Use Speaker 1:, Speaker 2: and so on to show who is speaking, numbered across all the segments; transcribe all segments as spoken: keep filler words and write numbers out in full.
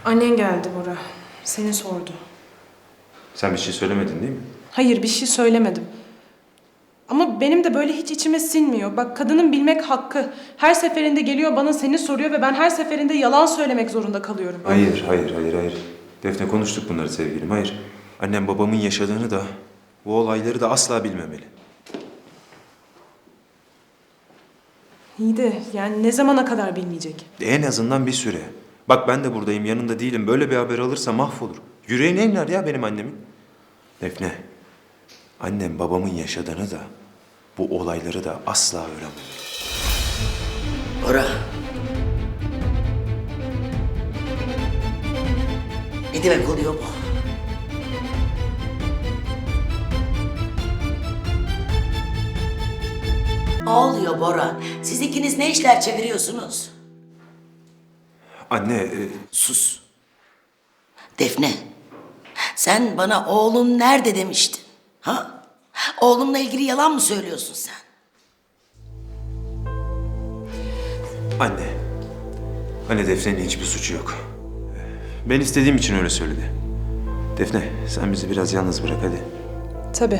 Speaker 1: Annen geldi Bora. Seni sordu.
Speaker 2: Sen bir şey söylemedin değil mi?
Speaker 1: Hayır, bir şey söylemedim. Ama benim de böyle hiç içime sinmiyor. Bak, kadının bilmek hakkı. Her seferinde geliyor bana seni soruyor ve ben her seferinde yalan söylemek zorunda kalıyorum.
Speaker 2: Hayır, hayır, hayır, hayır. Defne, konuştuk bunları sevgilim, hayır. Annem babamın yaşadığını da, bu olayları da asla bilmemeli.
Speaker 1: İyi de yani ne zamana kadar bilmeyecek?
Speaker 2: En azından bir süre. Bak ben de buradayım, yanında değilim. Böyle bir haber alırsa mahvolur. Yüreğine iner ya benim annemin. Defne, annem babamın yaşadığını da, bu olayları da asla öğrenmemeli.
Speaker 3: Bora. Ne demek oluyor bu? Ne oluyor Bora? Siz ikiniz ne işler çeviriyorsunuz?
Speaker 2: Anne, e,
Speaker 3: Sus. Defne, sen bana oğlum nerede demiştin? Ha? Oğlumla ilgili yalan mı söylüyorsun sen?
Speaker 2: anne. Anne, Defne'nin hiçbir suçu yok. Ben istediğim için öyle söyledi. Defne, sen bizi biraz yalnız bırak hadi.
Speaker 1: Tabii.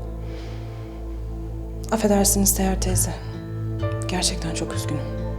Speaker 1: Affedersiniz Seher teyze. Gerçekten çok üzgünüm.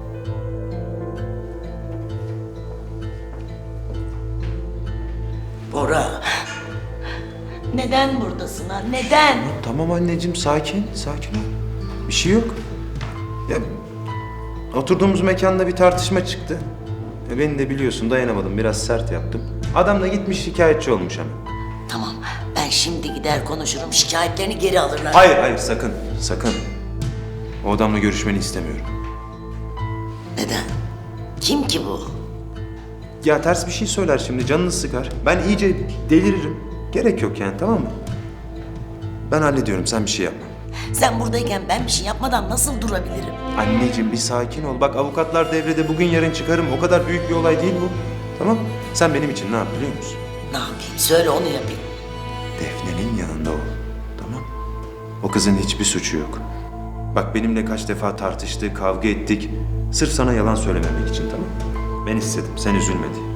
Speaker 3: Bora. Neden buradasın ha? Neden?
Speaker 2: Tamam anneciğim, sakin, sakin ol. Bir şey yok. Ya, oturduğumuz mekanda bir tartışma çıktı. Ya, beni de biliyorsun, dayanamadım, biraz sert yaptım. Adam da gitmiş şikayetçi olmuş hemen.
Speaker 3: Tamam, ben şimdi gider konuşurum. Şikayetlerini geri alırlar.
Speaker 2: Hayır, hayır, sakın, sakın. O adamla görüşmeni istemiyorum.
Speaker 3: Neden? Kim ki bu?
Speaker 2: Ya ters bir şey söyler şimdi, canını sıkar. Ben iyice deliririm. Gerek yok yani, tamam mı? Ben hallediyorum, sen bir şey yapma.
Speaker 3: Sen buradayken ben bir şey yapmadan nasıl durabilirim?
Speaker 2: Anneciğim bir sakin ol. Bak avukatlar devrede, bugün yarın çıkarım. O kadar büyük bir olay değil bu. Tamam? Sen benim için ne yap biliyor musun?
Speaker 3: Ne yapayım? Söyle onu yapayım.
Speaker 2: Defne'nin yanında ol. Tamam? O kızın hiçbir suçu yok. Bak benimle kaç defa tartıştık, kavga ettik. Sırf sana yalan söylememek için, tamam? Ben istedim, sen üzülme diye.